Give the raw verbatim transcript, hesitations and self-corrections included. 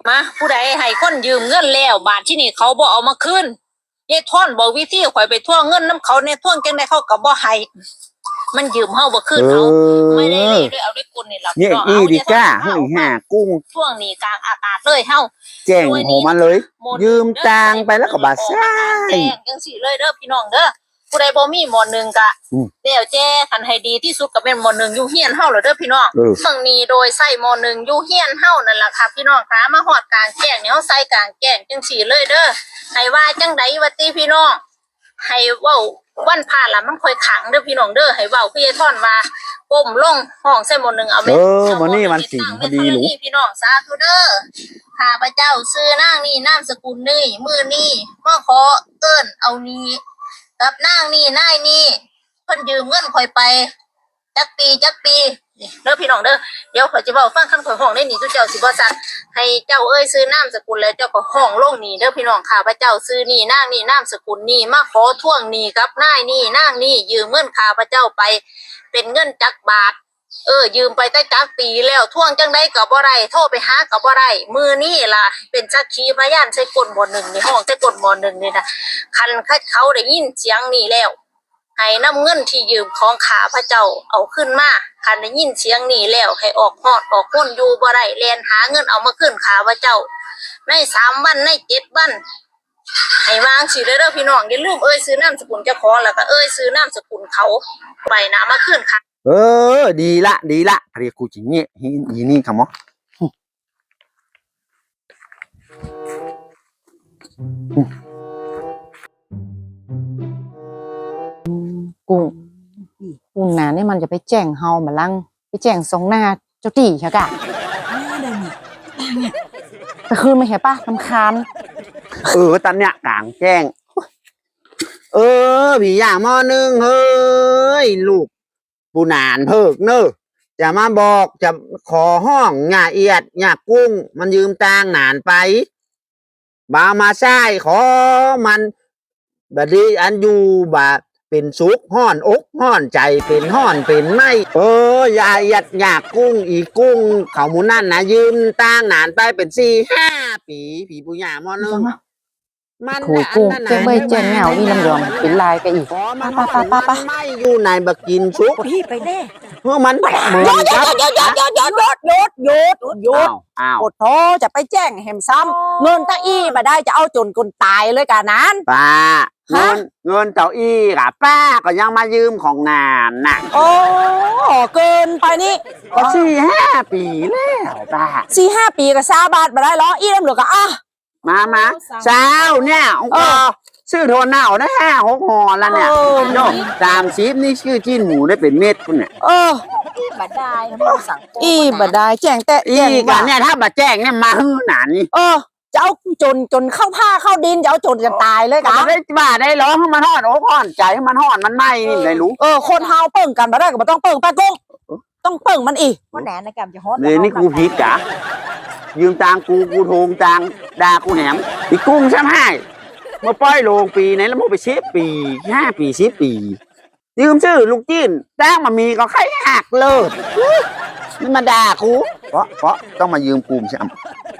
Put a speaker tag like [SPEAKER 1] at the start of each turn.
[SPEAKER 1] มาผู้ใดให้คนยืมเงินแล้วบาทที่นี่เขาบ่เอามาคืนยายท่อนบอกวิธีข่อยไปทวงเงินน้ำเขาในทวงจังได๋เขาก็บ่ให้มันยืมเฮาบ่คืนเอาไม่ได้เลยด้วยเอาด้วยกุลนี่ล่ะ
[SPEAKER 2] เนี่ยอีดีก้าเฮ้ยห่ากุ้ง
[SPEAKER 1] ช่วงนี้กลางอากาศเลยเฮา
[SPEAKER 2] แจ้งโหมาเลยยืมตังไปแล้วก็บาซ่า
[SPEAKER 1] แจ้งจังซี่เลยเด้อพี่น้องเด้อผู้ใดบ่มีหมอหนึ่งกะเดี๋ยวแจ้คันให้ดีที่สุดก็เป็นหมอหนึ่งอยู่เฮียนเฮาแล้วเด้อพี่น้องเมืองนี้โดยใส่หมอหนึ่งอยู่เฮียนเฮานั่นล่ะค่ะพี่น้องคะมาฮอดกลางแจ้งเนี่ยเฮาใส่กลางแจ้งจังซี่เลยเด้อให้ว่าจังได๋ว่าติพี่น้องให้เว้าวันพาละมันค่อยขังเด้อพี่น้องเด้อให้เว้าคือยายท่อนว่าก้มลงห้องใส่หมอหนึ่งเอาแม่
[SPEAKER 2] เออมื้อนี้มันสิพอดีลูก
[SPEAKER 1] พี่น้องสาธุเด้อข้าพเจ้าชื่อนางนี่นามสกุลนี่มื้อนี้มาขอเอิ้นเอานี้กับนางนี่นายนี่เพิ่นยืมเงินข่อยไปจักปีจักปีเด้อพี่น้องเด้อเดี๋ยวข่อยจะเว้าฟังคันข่อยห้องได้นี่ทุกเจ้าสิบ่ซักให้เจ้าเอ้ยซื้อนามสกุลแล้วเจ้าก็ห้องลงนี่เด้อพี่น้องข้าพเจ้าซื้อนี่นางนี่นามสกุลนี่มาขอทวงหนี้กับนายนี่นางนี่ยืมเงินข้าพเจ้าไปเป็นเงินจักบาทเออยืมไปตั้งจักปีแล้วทวงจังได๋ก็บ่ได้โทรไปหาก็บ่ได้มื้อนี้ล่ะเป็นสักขีพยานใส่กลหมอหนึ่งนี่ห้องใส่กลหมอหนึ่งนี่นะคันเขาได้ยินเสียงนี่แล้วให้นำเงินที่ยืมของข้าพเจ้าเอาขึ้นมาคันได้ยินเสียงนี่แล้วให้ออกฮอดออกพ้นอยู่บ่ได้แล่นหาเงินเอามาคืนข้าพเจ้าในสามวันในเจ็ดวันให้วางสิเด้อพี่น้องอย่าลืมเอ้ยซื้อนามสกุลเจ้าของแล้วก็เอ้ยซื้อนามสกุลเขาไปนะมาคืนค่ะ
[SPEAKER 2] เออดีละดีละเรียกกูจริงเนี่ยอีนี่คำมอ
[SPEAKER 3] กุ้งกุ้งนานี่มันจะไปแจ้งเฮามาลังไปแจ้งสองหน้าเจ้าตีใช่กะแต่คืนไม่เห็นป่ะลำคาญ
[SPEAKER 2] เออตอนเนี้ยกลางแจ้งเออพี่อย่างมอนึงเฮ้ยลูกปูนานเพิกเนอะจะมาบอกจะขอห้องหย่าเอียดหย่ากุ้งมันยืมตังนานไปบามาใช่ขอมันบัดนี้อันอยู่บาเป็นสุกห่อนอกห่อนใจเป็นห่อนเป็นไม่เออยาเอียดหย่ากุ้งอีกุ้งเขาหมูนั่นนะยืมตังนานไปเป็นสี่ห้าปีผีปุญญามอนึง
[SPEAKER 3] มันถูกกุ้งจะไม่แจ้งเงาอีลำยองเป็นลายกันอีกป้าป้าป้าป้า
[SPEAKER 2] ไม่อยู่ในบักกินชุก
[SPEAKER 4] พี่ไปแน่
[SPEAKER 2] เมื่อมันเหมือน
[SPEAKER 4] กับหยุดหยุดหยุดหยุดหยุดหยุดหยุดหยุดอดโทจะไปแจ้งแหมซ้ำเงินตาอี้มาได้จะเอาจนคนตายเลยกันนั้น
[SPEAKER 2] ป้าเงินเงินเจ้าอี้กับป้าก็ยังมายืมของนานน่ะ
[SPEAKER 4] โอ้เกินไปนี่
[SPEAKER 2] ก็สี่ห้าปีแล้วป้า
[SPEAKER 4] สี่ห้าปีกับซาบาทมาได้หรออี้น้ำเหลือก็อ่ะ
[SPEAKER 2] มามาเช้าเนี่ยอ๋อชื่อโทนหนาวนะห้าหกห่อแล้วเนี่ยโน่ตามชีพนี่ชื่อจิ้นหมูได้เป็นเม็ดคุณเนี่ย
[SPEAKER 4] เอออีบัดได้อีบัดได้แจ้งแต่
[SPEAKER 2] อีกันเนี่ยถ้าบัดแจ้งเนี่ยมาหื้อหนานี่
[SPEAKER 4] เออจะเอาจนจนเข้าผ้าเข้าดินจะเอาจนจะตายเลยกัน
[SPEAKER 2] ได้บ้าได้ร้องให้มันห่อนโอ้ห่อนใจให้มันห่อนมันไหมนี่เลยรู้
[SPEAKER 4] เออคนเฮาเปิ่งกันมาได้ก็ไม่ต้องเปิ่งป้ากุ้งต้องเปิ่งมันอีกว่าแหนในการจะฮอต
[SPEAKER 2] เลยนี่กูผิดจ้ะยืมตังกูกูโทงตังด่ากูแหนมอีกุ้งใช่ไหมมาป้อยโลงปีไหนแล้วมาไปเชฟปีห้าปีสิบปียืมชื่อลูกจิ้นแต้งมามีก็ใครหักเลยนี่มาด่ากูเพราะเพราะต้องมายืมกูใช่ไหม